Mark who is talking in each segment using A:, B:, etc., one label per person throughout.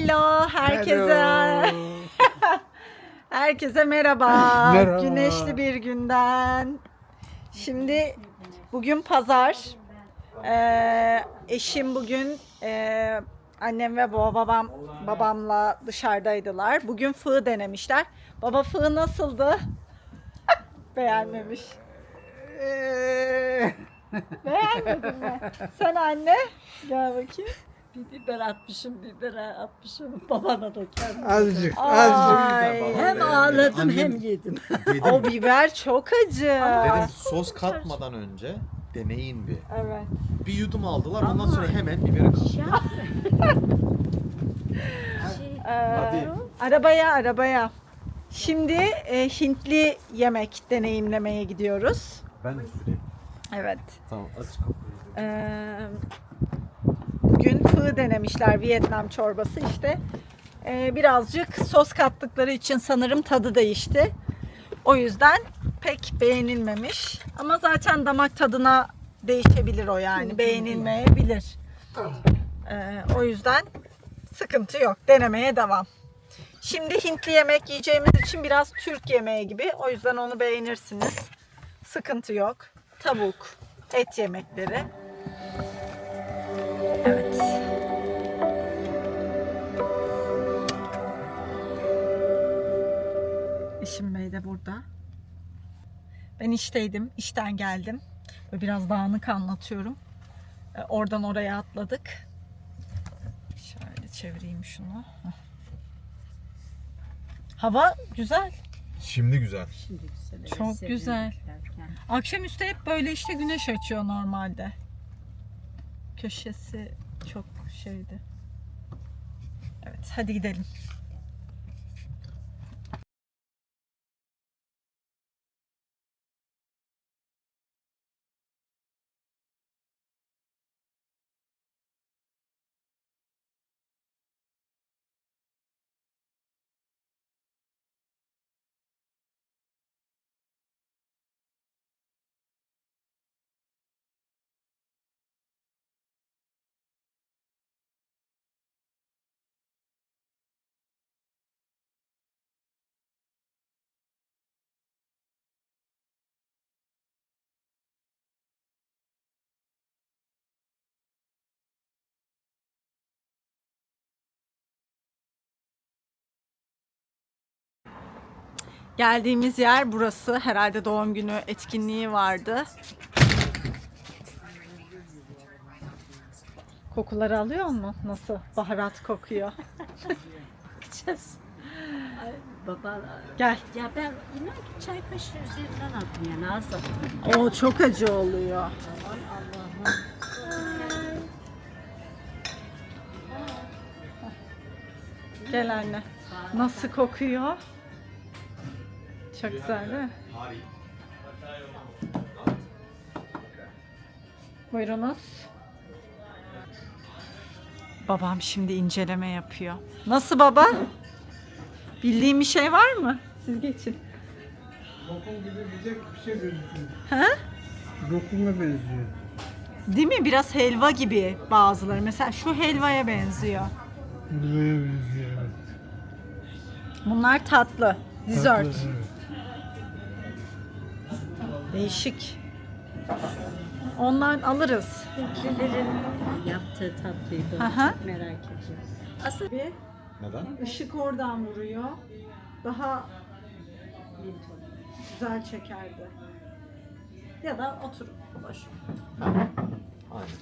A: Hello herkese. Herkese merhaba.
B: Merhaba.
A: Güneşli bir günden. Şimdi bugün pazar. Eşim bugün annem ve babamla dışarıdaydılar. Bugün fığ denemişler. Baba fığ nasıldı? Beğenmemiş. Beğenmedin mi? Sen anne gel bakayım.
C: Bir biber atmışım, bibere atmışım. Babana da kendim.
B: Azıcık,
A: Ay.
B: azıcık.
C: Hem ağladım
D: Annem-
C: hem yedim.
A: O biber çok acı.
D: Dedim sos katmadan önce deneyin bir.
A: Evet.
D: Bir yudum aldılar ondan sonra hemen biberi kattılar. Hadi.
A: Arabaya. Şimdi Hintli yemek deneyimlemeye gidiyoruz.
D: Ben de süreyim.
A: Evet.
D: Tamam aç kapıyı.
A: Bugün fığ denemişler, Vietnam çorbası işte. Birazcık sos kattıkları için sanırım tadı değişti. O yüzden pek beğenilmemiş. Ama zaten damak tadına değişebilir o yani. Beğenilmeyebilir. O yüzden sıkıntı yok. Denemeye devam. Şimdi Hintli yemek yiyeceğimiz için biraz Türk yemeği gibi. O yüzden onu beğenirsiniz. Sıkıntı yok. Tavuk, et yemekleri. Evet. Eşim Bey de burada. Ben işteydim. İşten geldim. Ve biraz dağınık anlatıyorum. Oradan oraya atladık. Şöyle çevireyim şunu. Heh. Hava güzel.
D: Şimdi güzel.
C: Şimdi güzel.
A: Çok
C: sevindik
A: güzel.
C: derken.
A: Akşamüstü hep böyle işte güneş açıyor normalde. Köşesi çok şeydi. Evet, hadi gidelim. Geldiğimiz yer burası. Herhalde doğum günü etkinliği vardı. Kokuları alıyor mu? Nasıl? Baharat kokuyor.
C: Bakacağız. Ay, baba.
A: Gel.
C: Ya ben inan ki çay kaşığı üzerinden attım yani az attım.
A: O çok acı oluyor.
C: Allah'ım.
A: Gel anne. Nasıl kokuyor? Çok güzel değil mi? Buyurunuz. Babam şimdi inceleme yapıyor. Nasıl baba? Bildiğin bir şey var mı? Siz geçin.
B: Lokum gibi bir şey gözüküyor.
A: Ha?
B: Lokuma benziyor.
A: Değil mi? Biraz helva gibi bazıları. Mesela şu helvaya benziyor.
B: Helvaya benziyor, evet.
A: Bunlar tatlı. Dessert.
B: Tatlı, evet.
A: Değişik. Ondan alırız.
C: Hintlilerin yaptığı tatlıyı ben
A: Aha.
C: çok merak ediyorum. Aslında
A: Bir
D: Neden?
A: ışık oradan vuruyor. Daha güzel çekerdi. Ya da oturup boş.
D: Aynen.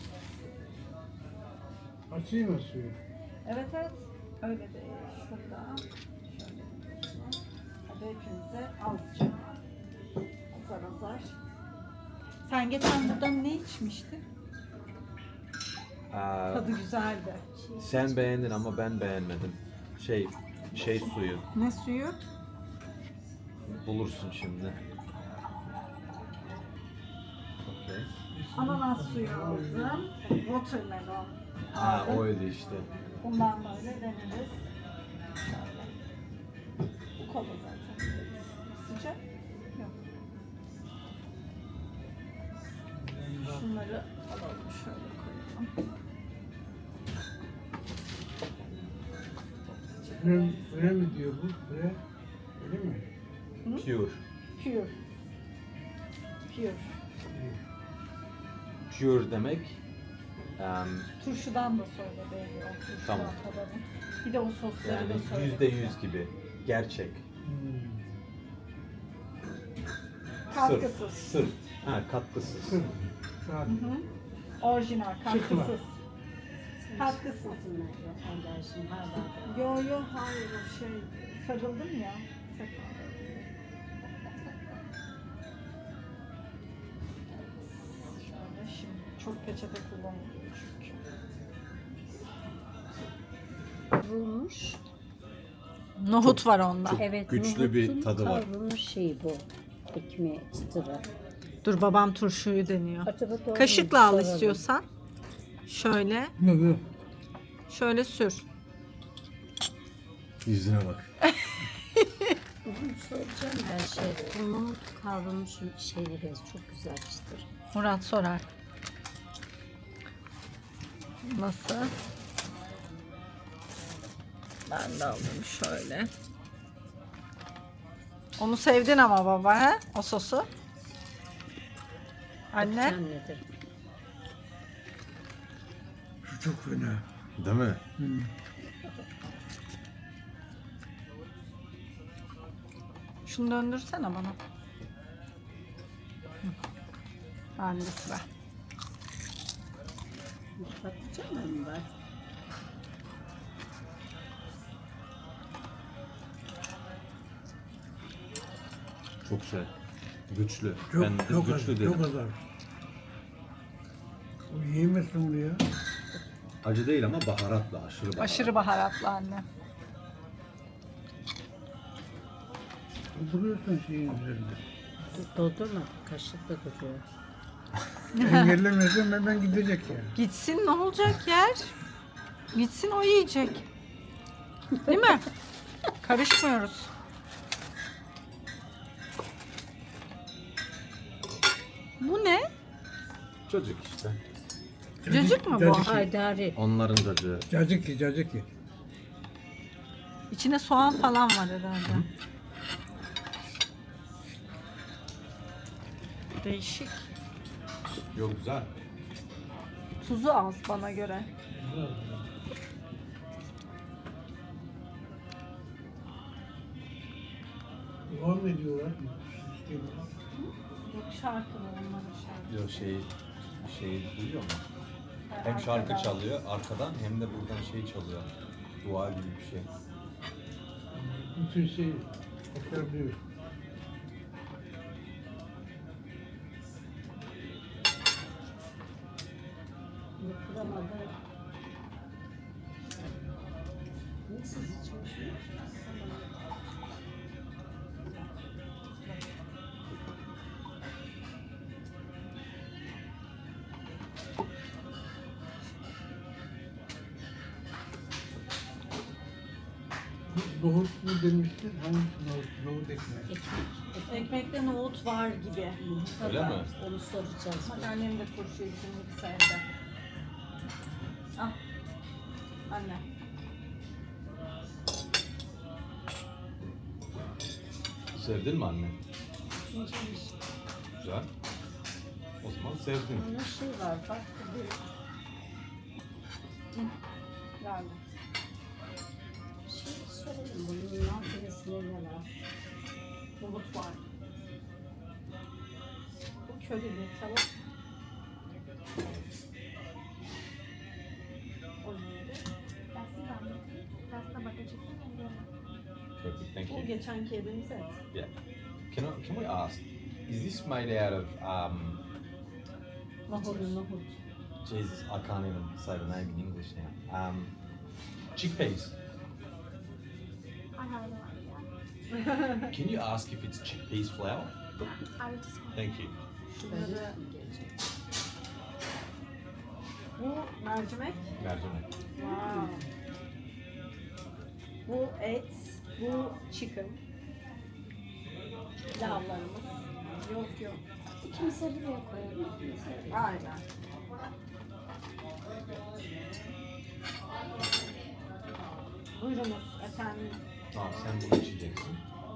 B: Açayım mı suyu?
A: Evet. Öyle değil. Şurada. Şöyle. Hadi hepimize azıcık. Azar. Sen geçen buradan ne içmiştin? Tadı güzeldi.
D: Sen beğendin ama ben beğenmedim. Şey suyu
A: Ne suyu?
D: bulursun şimdi. Okay.
A: Ananas suyu aldım. Watermelon.
D: Ha
A: aldım.
D: oydu işte.
A: Bundan böyle deneriz. Şöyle. Bu kola zaten. Sıcak. Yok. Şunları alalım şöyle koyalım.
B: Fre mi diyor bu? Fre. Öyle mi?
D: Pure.
A: Pure. Pure.
D: Pure demek
A: Turşudan da söyle belli o turşudan
D: Tamam.
A: tadalım. Bir de o sosları
D: yani
A: da söyle.
D: %100 gibi. Gerçek.
A: Katkısız.
D: Sırf. Ha, katkısız.
B: Sırf. Saat.
A: Hı hı. Orijinal, katkısız. Katkısız.
C: Alerjim hala.
A: Yo hayır o şey sarıldım ya. Şöyle şimdi çok peçete kullanılıyor çünkü.
C: Kavrulmuş.
A: Nohut var onda.
C: Evet,
D: güçlü bir
C: nohutun
D: tadı var.
C: Kavrulmuş şey bu. Ekmeği çıtırı.
A: Dur babam turşuyu deniyor.
C: Acaba doğru mu?
A: Kaşıkla al
C: Soralım.
A: istiyorsan. Şöyle,
B: Ne bu?
A: şöyle sür.
D: Yüzüne bak.
C: Bugün soracağım ben şey. Bu nohut kavrulmuş şeyleri çok güzel çıtır.
A: Murat sorar. Nasıl? Ben de alayım şöyle. Onu sevdin ama baba he? O sosu. Anne.
C: Bakacağım nedir?
B: Şu çok fena.
D: Değil mi?
A: Şunu döndürsene bana. Hı. Bende sıra.
C: Bakacağım mı ben?
D: Çok şey. Güçlü.
B: Çok,
D: Ben de
B: çok az.
D: güçlü dedim.
B: Çok az. O yiyemezsin bunu ya.
D: Acı değil ama baharatlı. Aşırı baharatlı.
A: Aşırı baharatlı anne.
B: Duruyorsun şeyin üzerinde.
C: Doldurma. Kaşıkla duruyor.
B: Engellemezsen hemen gidecek ya.
A: Gitsin ne olacak yer? Gitsin o yiyecek. Değil mi? Karışmıyoruz. Bu ne?
D: Çocuk işte.
A: Cacık mı bu?
B: Cacık.
C: Haydari.
D: Onların cacığı.
B: Cacık ye, cacık ye.
A: İçine soğan falan var herhalde. Değişik.
D: Yok güzel.
A: Tuzu az bana göre.
B: Var mı diyorlar?
A: Yok şarkı mı onların şarkı?
D: Yok şey duyuyor mu? Hem şarkı çalıyor arkadan hem de buradan şey çalıyor. Dua gibi bir şey.
B: Bütün şey tekrarlıyor.
C: Yapılamadı. Nasıl içmiş?
B: Nohut mu demiştin? Hangisi nohut? Nohut ekmeği.
C: Ekmek.
A: Ekmekte nohut var gibi.
D: Öyle mi?
C: Onu soracağız.
A: Bak annem de turşuyu bizim gibi sevdi. Al. Anne.
D: Sevdin mi anne?
C: İncemiş.
D: Güzel. O zaman sevdin.
C: Onun şey var bak.
A: Geldi.
C: Bir şey sorayım. Bunun malzemesinde ne var?
A: Nohut var. Bu körili tavuk. O neydi?
D: Perfect, thank
A: Bu
D: you.
A: geçenki yediğimiz et.
D: Yeah. Can we ask, is this made out of
A: Nohut.
D: Jesus, I can't even say the name in English now. Chickpeas.
E: I have no idea.
D: Can you ask if it's chickpeas flour?
E: I would just
D: Thank you.
A: Şunları... Bu mercimek.
D: Mercimek.
A: Wow. Bu et. Bu chicken. Pilavlarımız. Yok.
C: Kimse buraya koyamıyor.
A: Aynen. Buyurunuz efendim.
D: Tamam sen bunu içeceksin.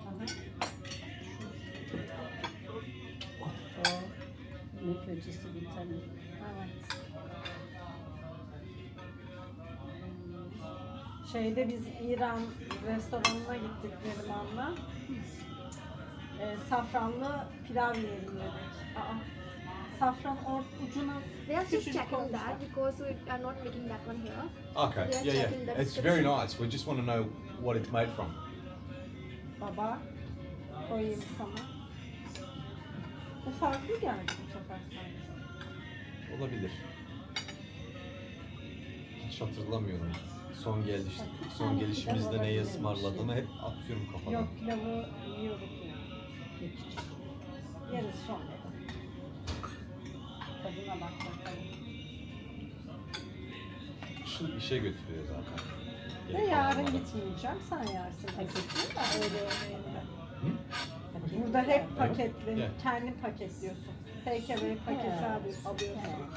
C: O yemek öncesi vitamin.
A: Evet. Şeyde biz İran restoranına gittik Neriman'la. Safranlı pilav yiyelim dedik. Safran ucuna
E: They are just
A: küçücük
E: checking
A: olmuşlar.
E: that because we are not making that one here.
D: Okay,
E: We are
D: yeah,
E: checking
D: yeah.
E: the
D: It's very
E: description.
D: nice. We just want to know what it's made from.
A: Baba koyayım sana. Bu farklı geldi bu sefer sanki.
D: Olabilir. Hiç hatırlamıyorum. Son gelişimizde neyi ısmarladığını hep atıyorum kafadan.
A: Yok pilavı yiyoruz yani. Yeriz sonra. Tadına bak bakalım.
D: Şu işe götürüyor zaten.
A: Ve
D: Geri
A: yarın
D: kalanları.
A: gitmeyeceğim, sen yersin. Paketli de öyle yemeğinde.
C: Paketli
A: Burada hep
C: var.
A: paketli,
D: Evet.
A: kendin paketliyorsun. Take away paketi alıyorsun.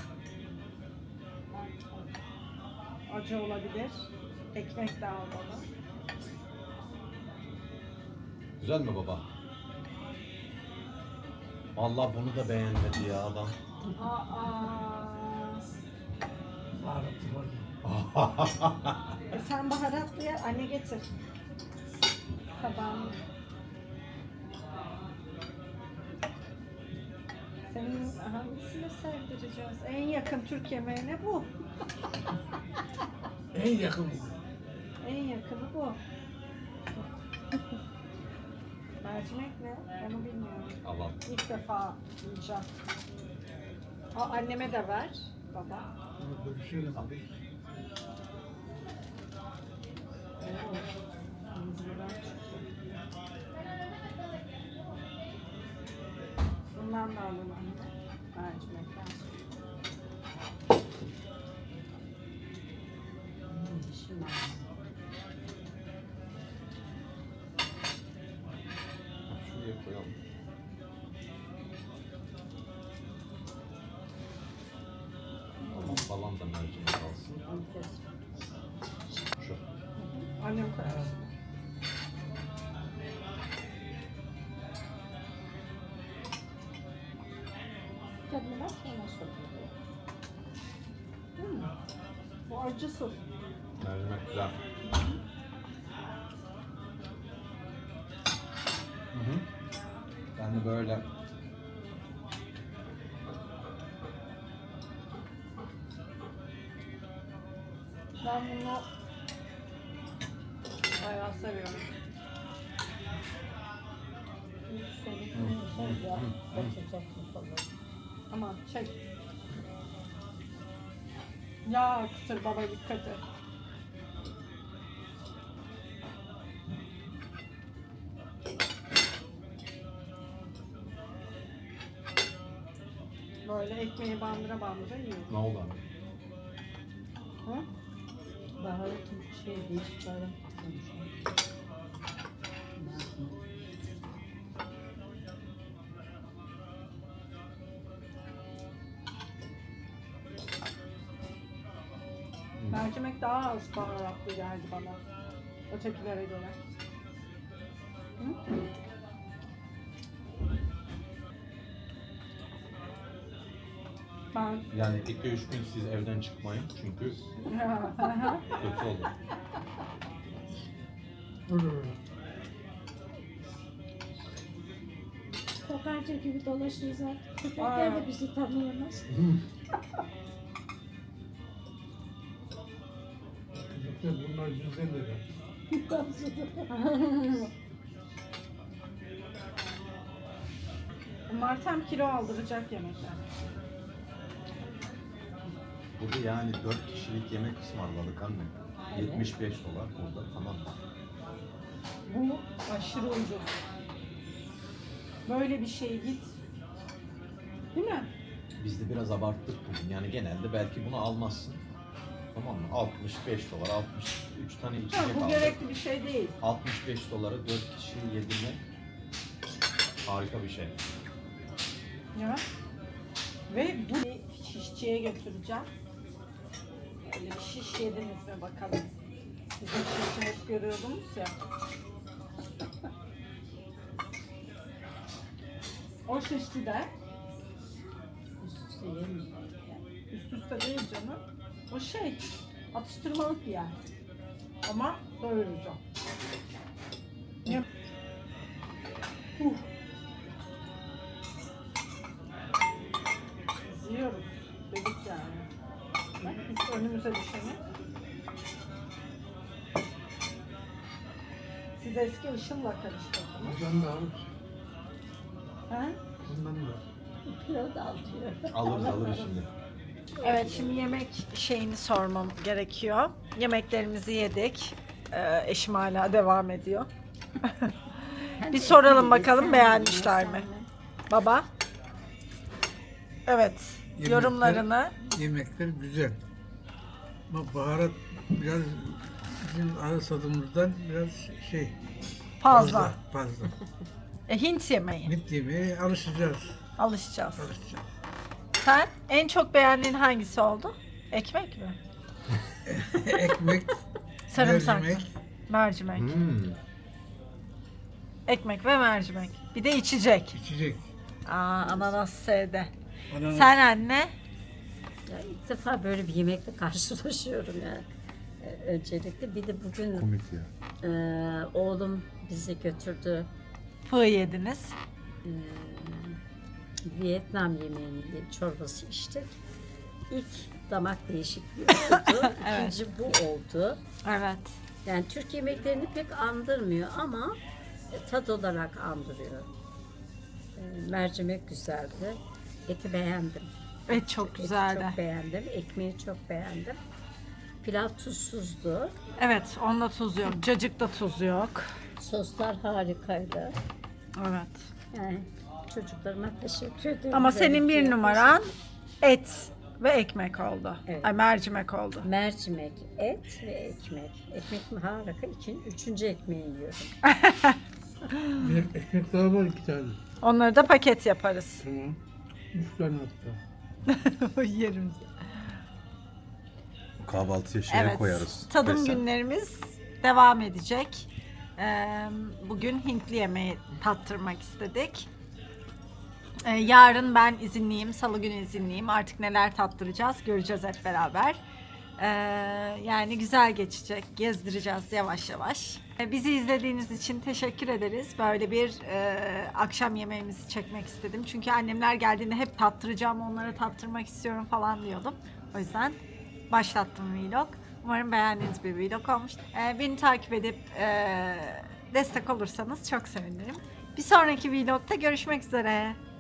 A: Acı olabilir. Ekmek de al bana.
D: Güzel mi baba? Vallahi bunu da beğenmedi ya adam.
B: Baharatı var.
A: Sen baharatlı ya, anne getir. Tabağını. Senin hangisini sevdireceğiz? En yakın Türk yemeğine bu.
B: En yakın.
A: En yakını bu. Mercimek ne? Onu bilmiyorum.
D: Allah.
A: İlk defa yiyeceğim. Anneme de ver baba.
B: Bunu bölüşelim abi.
A: Bundan da alın anne. Mercimekten.
C: Şimdi
D: Şuraya koyalım. Tamam falan da mercimek alsın.
C: enfes.
D: Şu.
A: Annem koyar.
C: Tadına bak sonra sokuyor.
A: Bu acı sos.
D: Mercimek güzel. Hı hı. Ben de böyle
A: Ben bunu bayağı seviyorum. Aman çek. Ya akıtır baba dikkat et. Böyle ekmeği bandıra bandıra yiyor.
D: ne oldu abi?
A: Hı?
C: Baharatın değişik baharat tutmuş.
A: Mercimek daha az baharatlı geldi bana. Ötekilere göre. Hı? Ben
D: Yani 2-3 gün siz evden çıkmayın çünkü kötü olur.
F: Kokarca gibi dolaşırız artık. Köpekler de bizi tanıyamaz.
B: Çocuklar bunlar 150 lira.
A: bunlar tam kilo aldıracak yemekler.
D: Burada yani 4 kişilik yemek ısmarladık anne. 75 dolar burada, tamam mı?
A: Bu aşırı ucuz. Böyle bir şey git. Değil mi?
D: Biz de biraz abarttık bugün. Yani genelde belki bunu almazsın. Tamam mı? 65 dolar, 63 tane
A: Ha,
D: içecek
A: bu
D: aldık.
A: gerekli bir şey değil.
D: 65 dolara 4 kişi yedirmek harika bir şey.
A: Ya. Ve bu şişçiye götüreceğim. Böyle bir şiş yediniz mi bakalım. Sizin şişi hep görüyordunuz ya. O şişti de
C: Üst üste yemiyor.
A: üst üste değil canım. O şey atıştırmalık bir yer. Ama doyurucu. Ne? Biz yiyoruz dedik yani. Bak biz önümüze düşeni. Siz eski ışınla karıştırdınız.
B: Ondan da alır.
A: Ha?
B: Ondan da.
C: Pilav da alıyor.
D: Alır şimdi.
A: Evet, şimdi yemek şeyini sormam gerekiyor. Yemeklerimizi yedik. Eşim hala devam ediyor. Bir soralım bakalım beğenmişler mi? Baba? Evet,
B: Yemekler-
A: yorumlarını.
B: Yemekler güzel. Ama baharat biraz bizim ağız tadımızdan biraz şey
A: Fazla.
B: fazla.
A: Hint yemeği.
B: Mit yemeğe alışacağız.
A: Alışacağız.
B: Alışacağız.
A: Sen en çok beğendiğin hangisi oldu? Ekmek mi?
B: Ekmek,
A: Sarımsak mı?
B: mercimek,
A: Mercimek.
D: Hmm.
A: Ekmek ve mercimek. Bir de içecek.
B: içecek.
A: Ananas sevdi.
B: Ananas.
A: Sen anne?
C: Ya ilk defa böyle bir yemekle karşılaşıyorum yani. Öncelikle bir de bugün
D: Komik ya.
C: oğlum bizi götürdü.
A: Fı yediniz.
C: Vietnam yemeğini, çorbası içtik. İlk damak değişikliği oldu. İkinci bu oldu.
A: Evet.
C: Yani Türk yemeklerini pek andırmıyor ama tat olarak andırıyor. Mercimek güzeldi. Eti beğendim.
A: Evet, çok
C: Eti
A: güzeldi.
C: çok beğendim. Ekmeği çok beğendim. Pilav tuzsuzdu.
A: Evet, onda tuz yok. Cacıkta tuz yok.
C: Soslar harikaydı.
A: Evet.
C: Yani çocuklarıma teşekkür ederim.
A: Ama senin bir
C: Böyle
A: numaran et ve ekmek oldu.
C: Evet.
A: Ay, mercimek oldu.
C: mercimek, et ve ekmek. Ekmek harika. Üçüncü ekmeği yiyorum.
B: Bir ekmek daha var 2 tane.
A: Onları da paket yaparız.
B: Tamam. 3 tane hatta.
A: Yerim.
D: Kahvaltıya şeye
A: Evet.
D: koyarız.
A: Tadım
D: Desen.
A: günlerimiz devam edecek. Bugün Hintli yemeği tattırmak istedik. Yarın ben izinliyim, salı günü izinliyim. Artık neler tattıracağız göreceğiz hep beraber. Yani güzel geçecek, gezdireceğiz yavaş yavaş. Bizi izlediğiniz için teşekkür ederiz. Böyle bir akşam yemeğimizi çekmek istedim. Çünkü annemler geldiğinde hep tattıracağım, onlara tattırmak istiyorum falan diyordum. O yüzden başlattım vlog. Umarım beğendiğiniz bir vlog olmuş. Beni takip edip destek olursanız çok sevinirim. Bir sonraki vlogda görüşmek üzere.